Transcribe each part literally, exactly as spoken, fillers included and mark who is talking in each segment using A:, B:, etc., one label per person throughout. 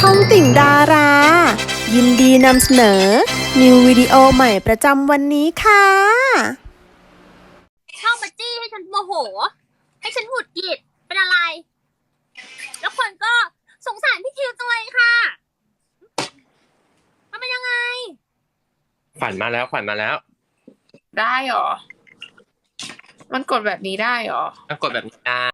A: องติ่งดารา ยินดีนำเสนอ นิววิดีโอใหม่ประจำวันนี้ค่ะ
B: ชอบมาจี้ให้ฉันโมโห ให้ฉันหงุดหงิดเป็นอะไร แล้วคนก็สงสารพี่คิวจังเลยค่ะมันเป็นยังไง
C: ขวัญมาแล้วขวัญมาแล้ว
D: ได้หรอ มันกดแบบนี้ได้หรอ
C: มันกดแบบนี้ได้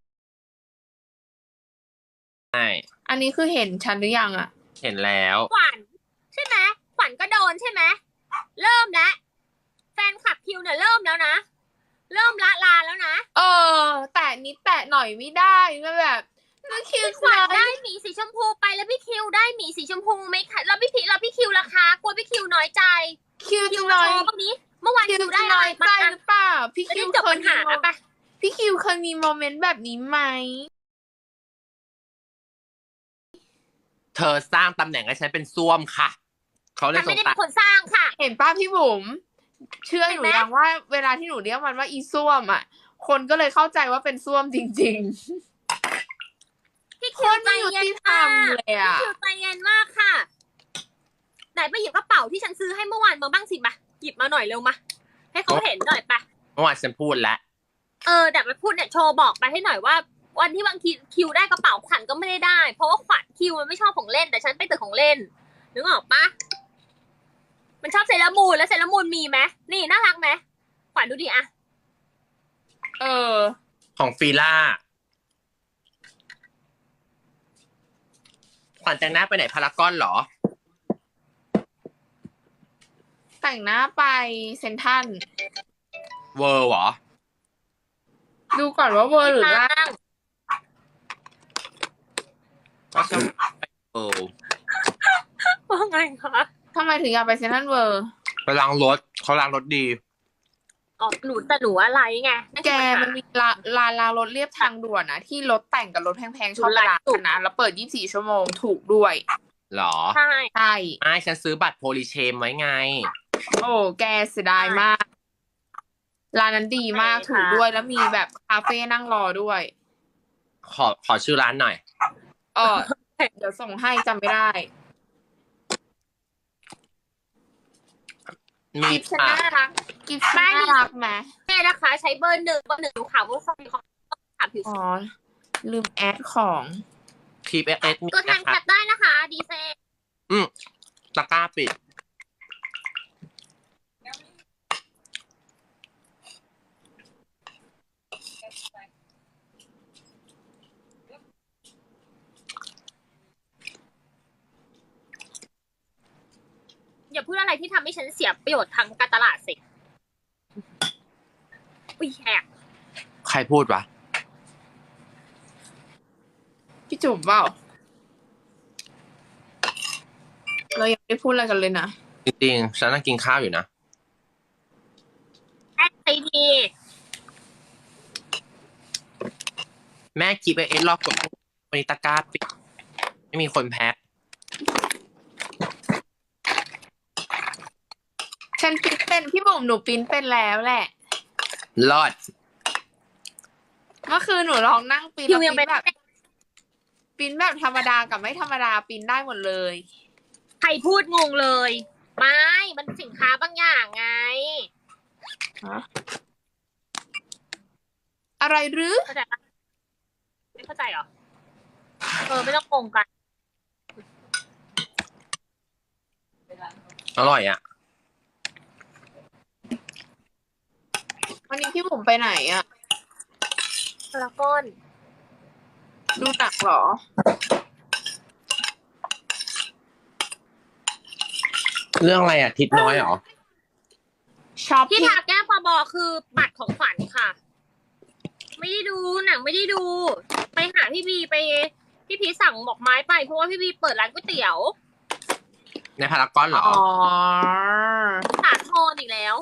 C: ใช่
D: อันนี้คือเห็นฉันหรือยังอะ
C: เห็นแล้ว
B: ขวัญใช่ไหมขวัญก็โดนใช่ไหมเริ่มแล้วแฟนคลับคิวเนี่ยเริ่มแล้วนะ เริ่มละลาแล้วนะ
D: เออ แต่นิดแตะหน่อยไม่ได้มันแบบนึกคิว
B: ขวัญได้หมีสีชมพูไปแล้วพี่คิวได้หมีสีชมพูไหมคะแล้วพี่พีแล้วพี่คิวล่ะคะกลัวพี่คิวน้อยใจ
D: คิว
B: คิ
D: จะ
B: ว
D: น้
B: มา
D: อย
B: โชว์บ้างนี้เมื่อวาน
D: คิว
B: คิว
D: จะ
B: ได้อะ
D: น้
B: ไร
D: อยใจ
B: บ้าง
D: หรือเปล่า พี่
B: จะ
D: คิ
B: ได้
D: ว
B: จบ
D: เค
B: ปั
D: ย
B: ญ
D: มี
B: หาปะ
D: พี่คิวเคยมีโมเมนต์แบบนี้ไหม
C: เธอสร้างตำแหน่งให้ฉันเป็นส้วมค่ะ เขาเลย
B: ฉัน
C: ส
B: ไม่
C: ง
B: ได้
C: สั
B: เป็
C: ย
B: นคนสร้างค่ะ
D: เห็นป้าพี่บุ๋มเชื่อ
B: เห็
D: ห
B: น
D: นู
B: ไหม
D: ยังว่าเวลาที่หนูเรียกมันว่าอีส้วมอ่ะ คนก็เลยเข้าใจว่าเป็นส้วมจริง
B: พี่
D: ๆ ค
B: คิวน ใจ
D: ไม่ยุ
B: เย็น
D: ติธรร
B: มาม ก
D: เลย
B: พี่
D: อ่ะ
B: คิวใจเย็นมากค่ะ ไหนไปหยิบกระเป๋าที่ฉันซื้อให้เมื่อวานมาบ้างสิมาหยิบมาหน่อยเร็วมาให้เขาเห็นหน่อยปะ
C: เมื่อวานฉันพูดแล้ว
B: เออแต่ไปพูดเนี่ยโชว์บอกไปให้หน่อยว่า วันที่บางทีคิวได้กระเป๋าขวัญก็ไม่ได้ได้ เพราะว่าขวัญคิวมันไม่ชอบของเล่นแต่ฉันไปตึกของเล่นนึกออกปะมันชอบเซรามูนแล้วเซรามูนมีไหมนี่น่ารักไหมขวัญดูดิอะ
D: เออ
C: ของฟีล่าขวัญแต่งหน้าไปไหนพารากอนเหรอ
D: แต่งหน้าไปเซนทรัล
C: เวอร์เหรอ
D: ดูก่อนว่าเวอร์หรือล่า
B: ตั้ง
C: ก็ฉันไปเวอร์
B: ว่าไงคะ
D: ทำไมถึงอยากไปเซนทรัลเวิร์
C: ไปล้างรถเขาล้างรถดี
B: อ๋อหนูแต่หนูอะไรไง
D: แกมันมีร้านร้านล้างรถเรียบทางด่วนนะที่รถแต่งกับรถแพงๆชอบไปร้านกันนะแล้วเปิดยี่สิบสี่ชั่วโมงถูกด้วย
C: เหรอ
B: ใช่
D: ใช่
C: ไม่ฉันซื้อบัตรโพลิเชมไว้ไง
D: โอ้แกเสียดายมากร้านนั้นดีมากถูกด้วยแล้วมีแบบคาเฟ่นั่งรอด้วย
C: ขอขอชื่อร้านหน่อย
D: เออเดี๋ยวส่งให้จำไม่ได้
C: มี
D: กิฟต์ฉัน
C: อ่ะ
D: น่ารักกิฟต์ฉันน่ารักไหม
B: แม่นะคะ ใช้เบอร์หนึ่งเบอร์หนึ่งดูข่าวว่าคนเขาถามผิว
D: อ๋อลืมแอดของ
C: ทีเอสมี
B: ตัวแทน
C: นะ
B: แค
C: คะ
B: ปได้นะคะดีเซ
C: อืมตะกร้าปิด
B: อย่าพูดอะไรที่ทำให้ฉันเสียประโยชน์ทางการตลาดสิอุ้ยแหก
C: ใครพูดวะ
D: พี่จุ๋มเปล่าเรายังไม่ได้พูดอะไรกันเลยนะ
C: จริงๆ ฉันนั่งกินข้าวอยู่นะ
B: แอดไอที
C: แม่คีบเอสรอบกดวันนี้ตะกร้าปิด ไม่มีคนแพ้
D: ฉันปริ้นเป็นพี่บุ๋มหนูปริ้นเป็นแล้วแหละ
C: รอด
D: เมื่อคืนหนูลองนั่งปริ้น
B: คิว
D: แล้ว
B: ยัง
D: ป
B: เป็
D: ริ้
B: น
D: นแบบปริ้นแบบธรรมดากับไม่ธรรมดาปริ้นได้หมดเลย
B: ใครพูดงงเลย ไม่ มันสินค้าบางอย่างไง
D: อะไรหรือ
B: เข้าใจปะไม่เข้าใจเหรอ เออ ไม่ต้องงงกัน
C: อร่อยอ่ะ
D: วันนี้พี่บุ๋มไปไหนอะ
B: แล้วก้อน
D: ดูหนักเหรอ
C: เรื่องอะไรอ่ะ ทิศน้อยเหรอ
D: ช็อป
B: ที่
D: ที่
B: ทาแก้มปบคือบัตรของขวัญค่ะ ไม่ได้ดูหนังไม่ได้ดู ไปหาพี่บีไป พี่พีชสั่งดอกไม้ไปเพราะว่าพี่บีเปิดร้านก๋วยเตี๋ยว
C: ในพารากอนเหรอ
D: อ๋อ
B: สาทรอีกแล้ว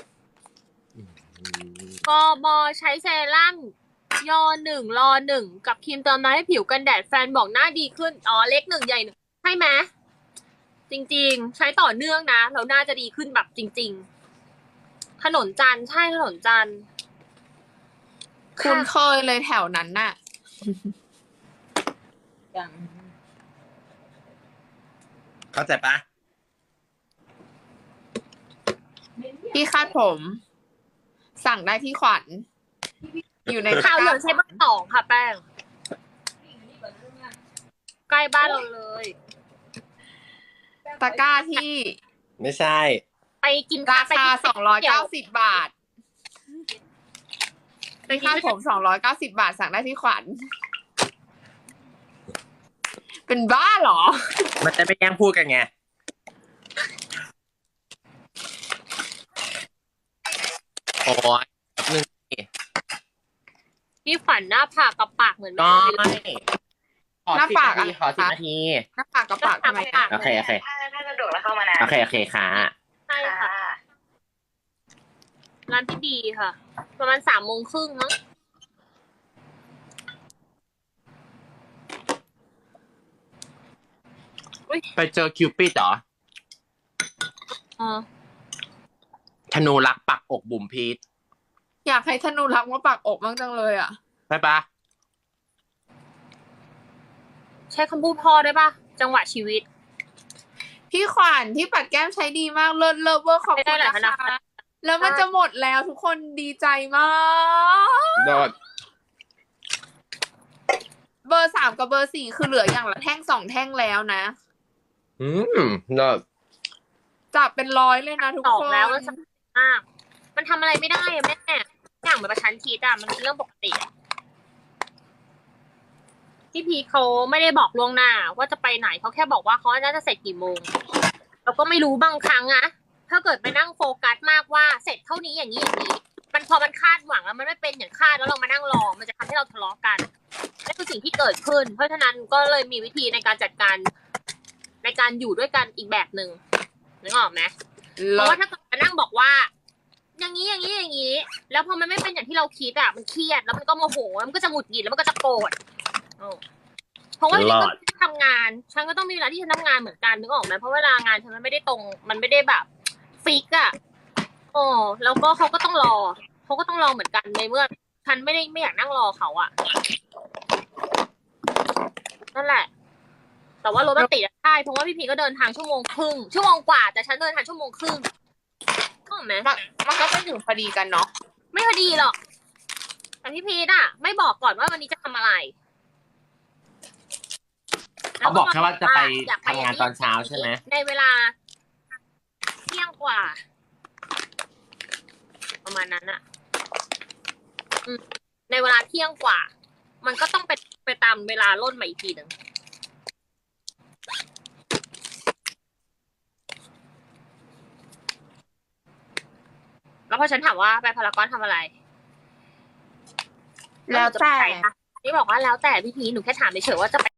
B: กบใช้เซรั่มยอหนึ่งรอหนึ่งกับครีมเติมน้ำให้ผิวกันแดดแฟนบอกหน้าดีขึ้น อ๋อเล็กหนึ่งใหญ่หนึ่งใช่ไหมจริงๆ ใช้ต่อเนื่องนะแล้วน่าจะดีขึ้นแบบจริงๆถนนจันทร์ใช่ถนนจันทร์
D: คุณเคยเลยแถวนั้นน่ะ
E: อย่าง
C: เข้าใจปะ
D: ที่คาดผม สั่งได้ที่ขวัญ อยู่ใน
B: ข่าวเหลืองใช้เบอร์สองค่ะแป้ง ใกล้บ้านเราเลย
D: ตะกร้าที่
C: ไม่ใช่
B: ไปกิน
D: รา
B: ไป
D: คา
B: กิน
D: สองร้อยเก้าสิบบาทที่คาดผมสองร้อยเก้าสิบบาท สั่งได้ที่ขวัญ เป็นบ้าเหรอ
C: มันจะไปแย่งพูดกันไงโอ้ยแป๊บนึง
B: พี่ฝันหน้าผากกับปากเหมือน
C: ก็
B: แม่เลย
C: ขอ
D: หน้า
C: สิบ
D: ปาก
C: นาที
D: อะ
C: ขอสิบนาที
D: หน้าปากกับปากทำไม
B: ปา
D: อะ
B: ก
C: โอเค โอเค
E: ถ้าถ้าสะดวกแล้วเข้ามานะ
C: โอเค โอเคค่ะ
B: ใช่ค่ะ ร้านพี่ดีค่ะ ประมาณสามโมงครึ่งมั้ง
C: ไปเจอคิวปิดเหรอ
B: อ๋อ
C: ธนูรักปักอกบุ๋มพีท
D: อยากให้ธนูรักมาปากอกบ้างจังเลยอ่ะ
C: ใช่ปะ
B: ใช้คำพูดพ่อได้ปะจังหวะชีวิต
D: พี่ขวัญที่ปัดแก้มใช้ดีมากเลิศเลิศเวอร์ขอบ
B: ไม่
D: คุ
B: ได้
D: ณ
B: หลาย
D: นะ
B: ธนา
D: คะ
B: คาร
D: แล้วมันจะหมดแล้วทุกคนดีใจมาก
C: โดด
D: เบอร์สามกับเบอร์สี่คือเหลืออย่างละแท่งสองแท่งแล้วนะ
C: อืมโดด
D: จับเป็นร้อยเลยนะทุก
B: ตอก
D: คน
B: แล้วแล้วจะมาก มันทำอะไรไม่ได้อะแม่ อย่างแบบประชันคิดอะมันเป็นเรื่องปกติอะพี่พีเขาไม่ได้บอกล่วงหน้า ว่าจะไปไหนเขาแค่บอกว่าเขาน่าจะเสร็จกี่โมงเราก็ไม่รู้บางครั้งอะถ้าเกิดไปนั่งโฟกัสมากว่าเสร็จเท่านี้อย่างนี้อย่างนี้ มันพอมันคาดหวังแล้วมันไม่เป็นอย่างคาดแล้วเรามานั่งรอ มันจะทำให้เราทะเลาะกันนั่นคือสิ่งที่เกิดขึ้น เพราะฉะนั้นก็เลยมีวิธีในการจัดการในการอยู่ด้วยกันอีกแบบหนึ่งนึกออกไหม เพ
D: เลิ
B: ราะว่า
D: ศ
B: ถ้าเกิดมานั่งบอกว่า อย่างนี้อย่างนี้อย่างนี้ แล้วพอมันไม่เป็นอย่างที่เราคิดอ่ะมันเครียดแล้วมันก็โมโหแล้วมันก็จะหงุดหงิดแล้วมันก็จะโกรธเออเพราะว่าฉันก็ทำงาน ฉันก็ต้องมีเวลาที่ฉันทำงานเหมือนกันนึกออกไหมเพราะเวลางานฉันมันไม่ได้ตรง มันไม่ได้แบบฟิกอ่ะโอ้แล้วก็เขาก็ต้องรอเขาก็ต้องรอเหมือนกันในเมื่อฉันไม่ได้ไม่อยากนั่งรอเขาอ่ะนั่นแหละ แต่ว่ารถมันติดอะใช่เพราะว่าพี่พีก็เดินทางชั่วโมงครึ่งชั่วโมงกว่าแต่ฉันเดินทางชั่วโมงครึ่งก็ไหม
D: มันมันก็ไม่ถึงพอดีกันเนาะ
B: ไม่พอดีหรอกแต่พี่พีทอะไม่บอกก่อนว่าวันนี้จะทำอะไร
C: เขาบอกแค่ว่าจะไป
B: อยก
C: ทำงานตอนเช้าใช่ไหม
B: ในเวลาเที่ยงกว่า ประมาณนั้นอะอืมในเวลาเที่ยงกว่า มันก็ต้องไปไปตามเวลาล่นมาอีกทีหนึ่งแล้วพอฉันถามว่าไปพารากอนทำอะไร
D: แล้วแต่
B: นี่บอกว่าแล้วแต่พี่พีหนูแค่ถามเฉยๆว่าจะไป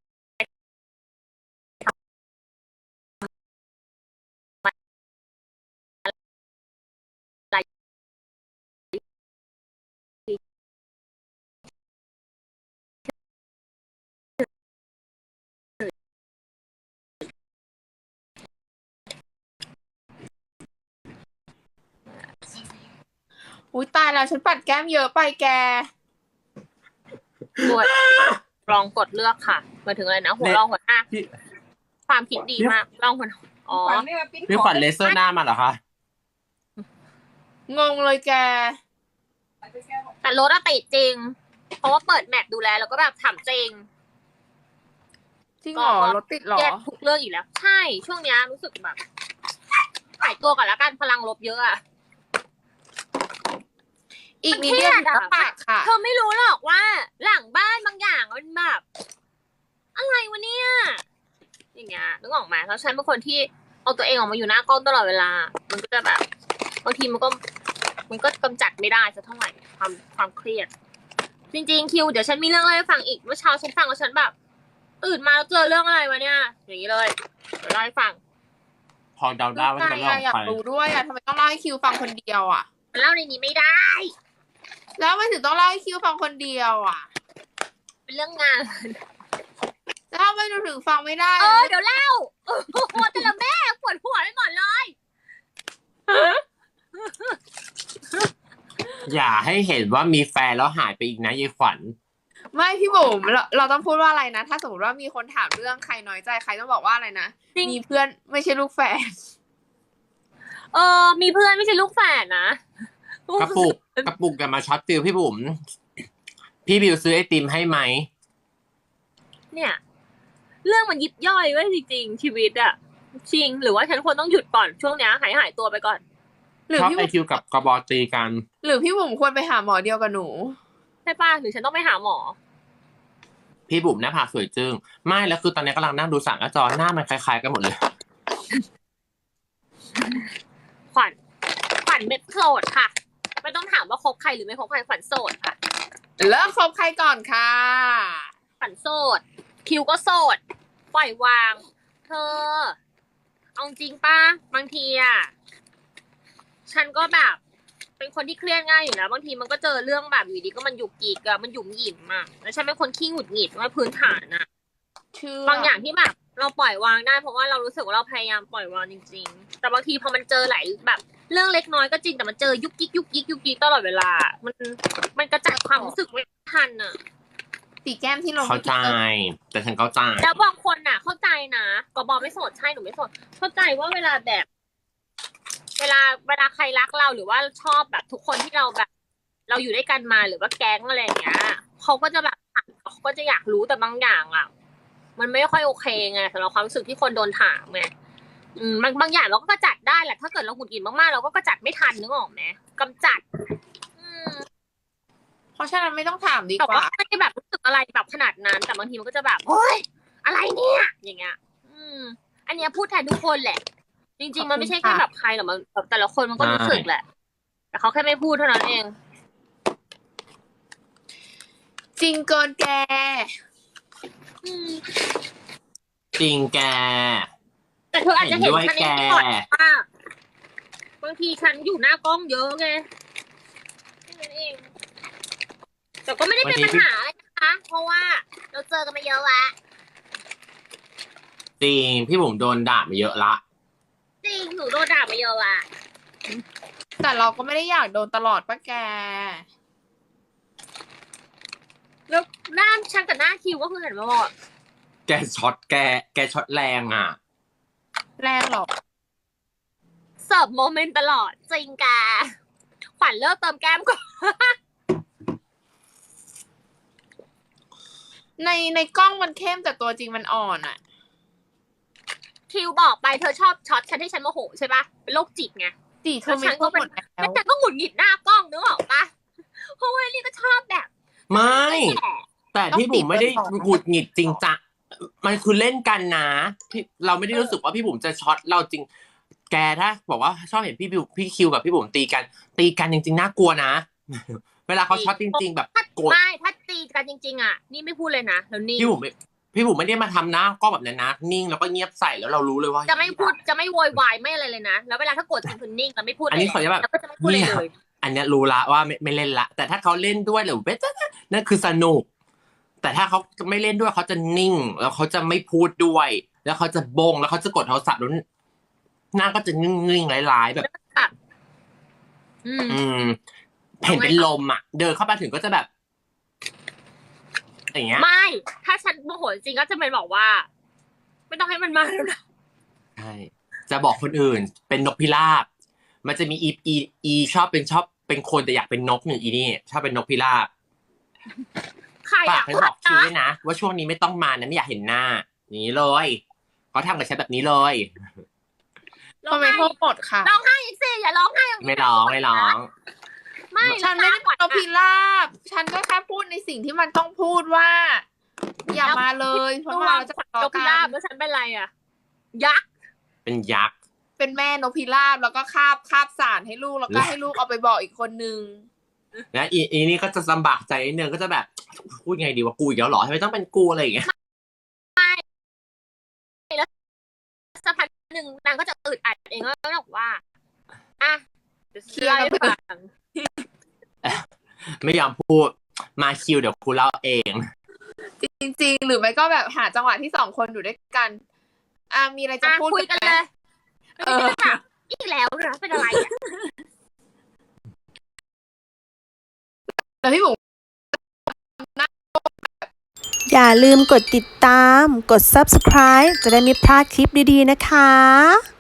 D: อุ้ยตายแล้วฉันปัดแก้มเยอะไปแก
B: กดลองกดเลือกค่ะหมายถึงอะไรนะหัวรองหัวหน้า
C: พี่
B: ความคิดดีมากลองหัวอ๋อ
C: พี่ขวัญเลเซอร์หน้ามาเหรอคะ
D: งงเลยแก
B: แต่รถอะติดจริง เพราะว่าเปิดแมปดูแลแล้วก็แบบถามจริง
D: จริงเหรอ
B: ก็
D: รถติดเหรอ
B: แยกทุกเรื่องอีกแล้ว ใช่ ช่วงเนี้ยรู้สึกแบบหายตัวก่อนแล้วกันพลังลบเยอะอะ
D: อีกนิดเดียว
B: มันเครียด
D: ถึง
B: อะ
D: หน้าปากค่ะ
B: เธอไม่รู้หรอกว่า หลังบ้านบางอย่างมันแบบอะไรวะเนี่ยอย่างเงี้ยนึกออกไหมแล้วฉันเป็นคนที่เอาตัวเองออกมาอยู่หน้ากล้องตลอดเวลา มันก็จะแบบบางทีมันก็ มันก็กำจัดไม่ได้สักเท่าไหร่ความความเครียด จริงๆคิวเดี๋ยวฉันมีเรื่องอะไรให้ฟังอีกเมื่อเช้าฉันฟังแล้วฉันแบบตื่นมาแล้วเจอเรื่องอะไรวะเนี่ย อย่างนี้เลยเดี๋ยวเล่าให้ฟัง
C: พอเดาได้ว่าจะ
D: ใช่
C: เล่า
D: อะอยาก
C: ไป
D: รู้ด้วยอะทำไมต้องเล่าให้คิวฟังคนเดียวอะ
B: มันเล่าในนี้ไม่ได้
D: แล้วทำไมถึงต้องเล่าให้คิวฟังคนเดียวอะ
B: เป็นเรื่องงาน
D: แล้วทำไมหนูถึงฟังไม่ได้
B: เออเดี๋ยวเล่าโอ้โหแต่ละแม่ปวดหัวไปหมดเลย
C: อย่าให้เห็นว่ามีแฟนแล้วหายไปอีกนะยายขวัญ
D: ไม่พี่บุ๋มเราเราต้องพูดว่าอะไรนะ ถ้าสมมติว่ามีคนถามเรื่องใครน้อยใจใครต้องบอกว่าอะไรนะ
B: จริง
D: มีเพื่อนไม่ใช่ลูกแฝด
B: เออ มีเพื่อนไม่ใช่ลูกแฝดนะ
C: กระปุกกระปุกกันมาช็อตฟิลพี่บุ๋มพี่บิวซื้อไอติมให้ไหม
B: เนี่ย เรื่องมันยิบย่อยไว้จริงๆชีวิตอะจริงหรือว่าฉันควรต้องหยุดก่อนช่วงเนี้ยหายหายตัวไปก่อน
D: หรือ
C: ชอบ
D: พี่
C: ไอ
D: บุ๋ม
C: คิวกับกระบอกตีกัน
D: หรือพี่บุ๋มควรไปหาหมอเดียวกับหนู
B: ใช่ป่ะหรือฉันต้องไปหาหมอ
C: พี่บุ๋มหน้าผากสวยจึงไม่แล้วคือตอนนี้กำลังนั่งดูสารกระจอหน้ามันคล้ายๆกันหมดเลย
B: ขวัญขวัญเป็นโสดค่ะ ไม่ต้องถามว่าคบใครหรือไม่คบใครขวัญโสดค่ะ
D: เลิกคบใครก่อนค่ะ
B: ขวัญโสด คิวก็โสด ปล่อยวาง เธอ เอาจริงป้าบางทีอ่ะ ฉันก็แบบ เป็นคนที่เครียดง่ายอยู่แล้วบางทีมันก็เจอเรื่องแบบอยู่ดีก็มันหยุกหยิกอะมันหยุมหยิมอะแล้วฉันเป็นคนขี้หงุดหงิดว่าพื้นฐานอะ
D: เชื่อบ
B: างอย่างที่แบบเราปล่อยวางได้เพราะว่าเรารู้สึกว่าเราพยายามปล่อยวางจริงๆ แต่บางทีพอมันเจอหลายแบบ เรื่องเล็กน้อยก็จริงแต่มันเจอยุกยิกยุกยิกยุกยิกตลอดเวลา มันมันกระจัดความรู้สึกไม่ทันอะ
D: ตีแก้มที่ลง
C: เข้าใจ แต่ฉันเข้าใจ
B: แล้วบางคนน่ะ เข้าใจนะกบอไม่โสดใช่หนูไม่โสดเข้าใจว่าเวลาแบบ เวลาเวลาใครรักเราหรือว่าชอบแบบทุกคนที่เราแบบ เราอยู่ด้วยกันมาหรือว่าแก๊งอะไรอย่างเงี้ยเขาก็จะแบบเขาก็จะอยากรู้แต่บางอย่างอ่ะ มันไม่ค่อยโอเคไงสำหรับความรู้สึกที่คนโดนถามไงอืมบางบางอย่างเราก็กระจัดได้แหละถ้าเกิดเราหงุดหงิดมากๆเราก็กระจัดไม่ทันนึกออกไหมกำจัด อืม
D: เพราะฉะนั้นไม่ต้องถามดี
B: แต่
D: กว่า
B: ว่าไม่ได้แบบรู้สึกอะไรแบบขนาดนั้น แต่บางทีมันก็จะแบบโอ๊ยอะไรเนี่ยอย่างเงี้ย อืม อันเนี้ยพูดแทนทุกคนแหละ จริงๆมันไม่ใช่แค่แบบใครหรอกมันแบบแต่ละคนมันก็รู้สึกแหละ แต่เขาแค่ไม่พูดเท่านั้นเอง
D: จริงเกินแก
B: อืม
C: จริงแก
B: แต่เธออาจจะเห็น
C: เห็นด้วย
B: ฉันใน
C: แก
B: ก่อนว่าบางทีฉันอยู่หน้ากล้องเยอะไงแค่นั้นเอง แต่ก็ไม่ได้เป็นปัญหาอะไรนะคะ เพราะว่าเราเจอกันมาเยอะละ
C: จริงพี่บุ๋มโดนด่ามาเยอะละ
B: จริงหนูโดนด่ามาเยอะละ
D: แต่เราก็ไม่ได้อยากโดนตลอดป่ะแก
B: แล้วหน้าฉันกับหน้าคิวก็คือเห็นมาบอก
C: แกช็อตแก แกช็อตแรงอ่ะ
D: แรงหรอก
B: เสิร์ฟโมเมนต์ตลอดจริงกาขวัญเลิกเติมแก้มก่อน
D: ในในกล้องมันเข้มแต่ตัวจริงมันอ่อนอ่ะ
B: คิวบอกไปเธอชอบช็อตฉันให้ฉันโมโหใช่ปะเป็นโรคจิตไง
D: จีเธอไม่พูดหมดแล้
B: แล้ว
D: ว
B: ฉันก็หงุดหงิดหน้ากล้องนึกออกปะเพราะว่าลี่ก็ชอบแบบ
C: ไม่
B: แหละ
C: แต่พี่บุ๋มไม่ได้หงุดหงิดจริงจังมันคือเล่นกันนะพี่เราไม่ได้รู้สึกว่าพี่บุ๋มจะช็อตเราจริง แกถ้าบอกว่าชอบเห็นพี่บิวพี่คิวกับพี่บุ๋มตีกัน ตีกันจริงๆน่ากลัวนะ เวลาเขาช็อตจริง ๆ แบบโกรธ
B: ไม่ถ้าตีกันจริง ๆ อ่ะ นี่ไม่พูดเลยนะแล้วนี่
C: พี่บุ๋มไม่พี่บุ๋มไม่ได้มาทำหน้ากล้องแบบนั้นนะนิ่งแล้วก็เงียบใส่แล้วเรารู้เลยว่า
B: จะไม่พูดจะไม่โวยวายไม่อะไรเลยนะแล้วเวลาถ้าโกรธจริงคือนิ่งแล้วไม่พูด
C: อันนี้ขอจะแบบ
B: แล้วก็จะไม่พูดเลยเลย
C: อันเนี้ยรู้ละว่าไม่ไม่เล่นละ แต่ถ้าเขาเล่นด้วยหรือเว้ยนั่นคือสนุก แต่ถ้าเขาไม่เล่นด้วยเขาจะนิ่ง แล้วเขาจะไม่พูดด้วย แล้วเขาจะบงแล้วเขาจะกดโทรศัพท์แล้วหน้าก็จะนิ่งๆร้ายๆแบบ
B: อืม
C: อืมเห็นเป็นลมอ่ะ เดินเข้าไปถึงก็จะแบบ อย่างเงี้ย
B: ไม่ ถ้าฉันโมโหจริงก็จะเป็นบอกว่า ไม่ต้องให้มันมาแล้วนะ
C: ใช่ จะบอกคนอื่น เป็นนกพิราบ มันจะมีอีอีอีชอบเป็นชอบเป็นคนแต่อยากเป็นนกหนึ่งอีนี่ชอบเป็นนกพิราบ
B: ใคร
C: ฝาก
B: อ่ะ
C: ให้บอกคิวด้วยนะ ว่าช่วงนี้ไม่ต้องมานะไม่อยากเห็นหน้า อย่างนี้เลย เขาทำกับฉันแบบนี้เลย
B: ร้
D: ค
B: อ
D: อง มเม
B: ไห้
D: นต์โทษหมดค่ะ
B: ร้องไห้อีกสิอย่าร้องไห้อย่างนี้
C: ไม่ร้องไม่ร้อง
B: ไม่
D: ฉันไม่ได้
B: ขวัญ
D: เอาพิราบ ฉันก็แค่พูดในสิ่งที่มันต้องพูดว่า อย่ามาเลยเพราะ
B: ตัว
D: ว่าเราจะ
B: ขวัญ
D: ทะ
B: น
D: เลาะ
B: กพิ
D: กั
B: ราบ
D: น
B: แล้วฉันเป็นไรอ่ะ ยักษ์
C: เป็นยักษ์
D: เป็นแม่นกพิราบแล้วก็คาบคาบสารให้ลูกแล้วก็ให้ลูกเอาไปบอกอีกคนนึง
C: และอีอีนี่ก็จะลำบากใจนิดนึงก็จะแบบพูดไงดีว่ากูอีกแล้วเหรอทำไมต้องเป็นกูอะไรอย่างเงี้ย
B: สักพักหนึ่งนางก็จะอึดอัดเองแล้วก็บอกว่า อ่ะเดี๋ยวฉันเล่าให้ฟัง
C: ไม่ยอมพูดมาคิวเดี๋ยวกูเล่าเอง
D: จริงๆ หรือไม่ก็แบบหาจังหวะที่สองคนอยู่ด้วยกัน อ่ามีอะไรจะ
B: อ่ะ
D: พูด
B: คุยกัน
D: ไหม
B: เลย
D: เออ
B: อีกแล้วเหรอเป็นอะไรอ่ะ
D: แต่พี่บุ๋ม
A: อย่าลืมกดติดตาม กด ซับสไครบ์ จะได้ไม่พลาดคลิปดีๆนะคะ